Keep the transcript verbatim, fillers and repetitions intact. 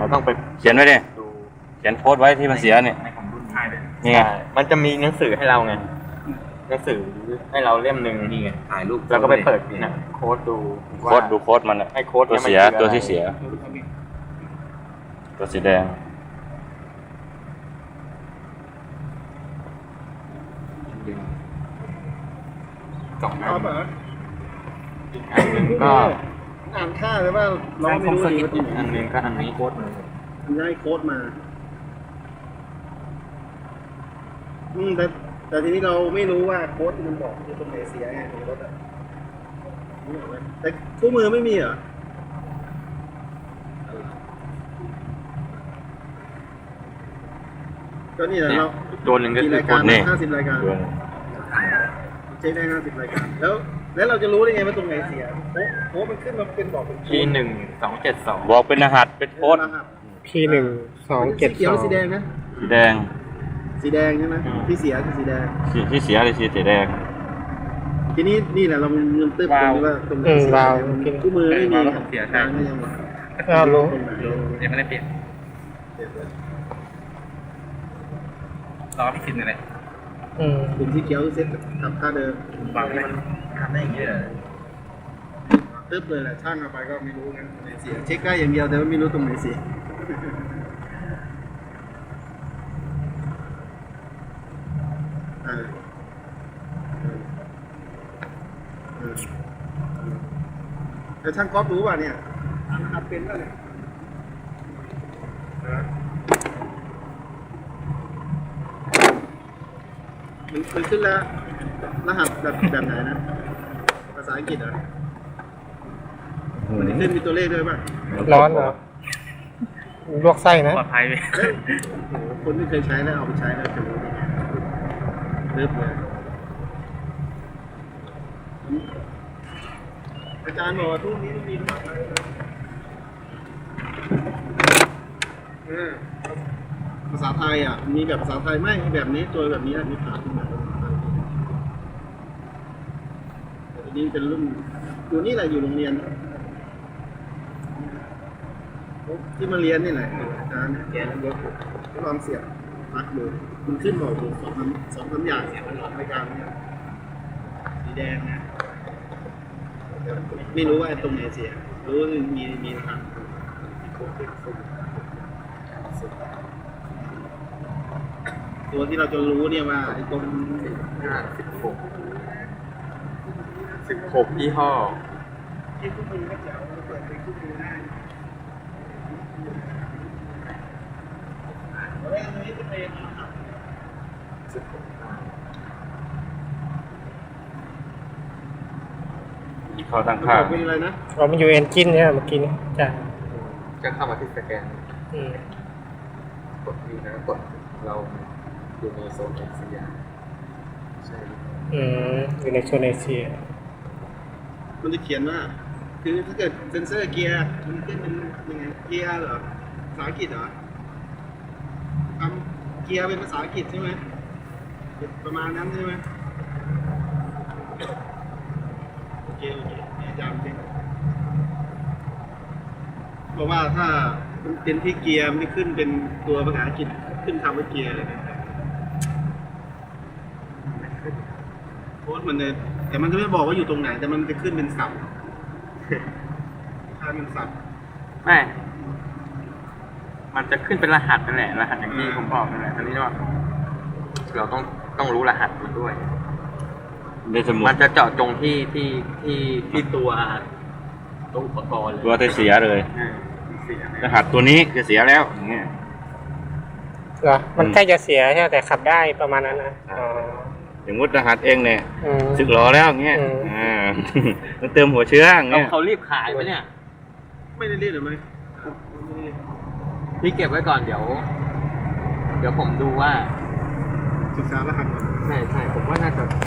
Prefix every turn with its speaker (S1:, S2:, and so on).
S1: เราต้องไป
S2: เขียนไว้ดิ
S1: ดู
S2: เขียนโค้ดไว้ที่มันเสียเนี่ย
S1: ในของรุ่นท้ายเลย
S2: นี่ไง
S1: ใช่มันจะมีหนังสือให้เราไงหนังสือให้เราเล่มหนึ่ง
S3: นี่ไงถ่ายรูป
S1: แล้วก็ไปเปิดนะโค้ดดู
S2: โค้ดดูโค้ดมันอะ
S1: ไอ้โค้ด
S2: ตัว
S1: นี่มัน
S2: เสีย
S1: คืออะไร
S2: ตัวที่เสีย ตัวสีแดง
S1: สองอั
S4: เอา
S1: น
S4: เปล่า
S1: อีกอันหนึ่งก็
S4: อ่านค่าเลยว่าเราไม่รู้ดีว่าที่ไหน
S1: อันหนึ่งก็อันนี้โค้ดมือ
S4: มันได้โค้ดมาอืมแต่แต่ทีนี้เราไม่รู้ว่าโค้ดที่มันบอกอยู่ตรงไหนเสียไงของรถอ่ะนึกออกไหมแต่คู่มือไม่มีเหรอก็นี่แหละ
S1: เนี่ย
S4: เรา
S1: ตัวหนึ่งก็
S4: กี่
S1: คือ
S4: ราย
S1: โค้
S4: การ
S1: ด
S2: นี่
S4: ห้าสิบรายการ
S2: ตัว
S4: เช็คได้ห้าสิบรายการแล้ว แล้วเราจะรู้ได้ไงว่าตรงไหนเสียโอ้โหมันขึ้นมาเป็นบอกเป็น
S1: ทีหนึ่งสองเจ็ดสอง
S2: บอกเป็นรหัสเป็นโค้ด
S4: รหัส
S5: พีหนึ่งสองเจ็ด
S4: สีเขีย
S5: ส
S4: ว
S5: อง
S4: สีแดงนะ
S2: สีแดง
S4: สีแดงใช่ไหมที่เสียคือสีแดง
S2: สีที่เสียเลยสีแดง
S4: ทีนี้นี่แหละเรามันมันตึ๊บตรงที่ว่าตรงไหน
S5: อืม
S4: เสีย
S5: วาว
S4: มัน
S5: กิน
S4: คู่มือไม่มี
S1: วาวเสียใช่
S4: ทางก็ยังบอก
S5: อ้าวรู้
S4: ตรงไหน
S1: ยังไม่ได้เปลี่ยน
S4: เสียเลย
S1: รอพี่คิดอะไร
S5: อืม
S4: กลุ่มที่เขียวเซ็ตกับค่าเดิม
S1: วางมันทำได้อย่างนี้เลย
S4: ตึ๊บเลยแหละช่างเอาไปก็ไม่รู้งั้นตรงไหนเสียเช็คได้อย่างเดียวแต่ว่าไม่รู้ตรงไหนเสียอ่าเออเออเออแต่ช่างก๊อฟรู้ป่ะเนี่ยทำเป็นป่ะเนี่ยนะมันมันขึ้นแล้วรหัสแบบแบบไหนนะภาษาอังกฤษเหรอมันจะขึ้นมีตัวเลขด้วยป่ะ
S5: ร้อนเหรอลวกไส้นะ
S1: ปลอดภัยไหม
S4: เฮ้ยโอ้โหคนที่เคยใช้แล้วเอาไปใช้แล้วจะรู้ได้ไงเลิฟเลยอาจารย์บอกว่าทุกนี้ต้องมีแบบเออภาษาไทยอ่ะ มีแบบภาษาไทยไหมมีแบบนี้ตัวแบบนี้มีผ่านขึ้นมาแต่ทีนี้เป็นรุ่นอยู่นี่แหละอยู่โรงเรียนที่มาเรียนนี่แหละอาจารย์เนี่ยแกนรถลองเสียบปลั๊กดูมันขึ้นบอกอยู่สองสามสองสามอย่างเสียบมันหลอกรายการเนี่ยสีแดงนะแต่ไม่รู้ว่าตรงไหนเสียรู้ว่ามีมีรหัสตัวที่เราจะรู้เนี่ยว่าไอ้ตรง
S1: ห้าสิบหกสิบหกยี่ห้อ
S4: ที่คู่มือก็จะเอาเปิดเป็นคู่มือได้แล้วอันนี้จะเป็นรหัส
S1: สิบหก
S2: ที่เขาตั้งค่า
S4: เป็นอะไรนะ
S5: เรามันอยู่เอนจินเนี่ยเมื่อกี้นี้จ้ะ
S1: จะเข้ามาที่สแกน
S5: อืม
S1: กดนี้นะกดเราอยู่ในโซนเอเชียใช่
S5: อืมอยู่ในโซนเอเชีย
S4: มันจะเขียนว่า คือถ้าเกิดเซนเซอร์เกียร์มันขึ้นเป็นยังไงเกียร์เหรอภาษาอังกฤษเหรอทำเกียร์เป็นภาษาอังกฤษใช่ไหมประมาณนั้นใช่ไหมโอเคโอเคอาจารย์จริงเพราะว่าถ้ามันเป็นที่เกียร์มันจะขึ้นเป็นตัวภาษาอังกฤษขึ้นคำว่าเกียร์เลยนะโค้ดมันเลยแต่มันจะไม่บอกว่าอยู่ตรงไหน แต่มันจะขึ้นเป็นศัพท์ถ้ามันศัพท์
S1: ไม่ มันจะขึ้นเป็นรหัสนั่นแหละ รหัสอย่างที่ผมบอกนั่นแหละอันนี้ว่าเราต้องต้องรู้รหัสมันด้วย
S2: ในสมุด
S1: มันจะเจาะจงที่ที่ที่ที่ตัวตัวอุปกรณ์เลย
S2: ตัวที่เสียเลย
S1: เออเสีย
S2: รหัสตัวนี้จะเสียแล้วอย่างเงี้ย
S5: เหรอมันใกล้จะเสียใช่ไหมแต่ขับได้ประมาณนั้นนะอ๋อ
S2: อย่างมุดรหัสเองเนี่ย
S5: อืม
S2: สึกหรอแล้วอย่างเงี้ย
S5: อืม
S2: อ่า มันเติมหัวเชื้ออย่าง
S1: เขา
S2: เงี้ย
S1: เขารีบขายไหมเนี่ย
S4: ไม่ได้เรียกหรือไม่
S1: พี่เก็บไว้ก่อนเดี๋ยว เดี๋ยวผมดูว่า
S4: ศึกษารหัสก่อน
S1: ใช่ใช่ผมว่าน่าจะ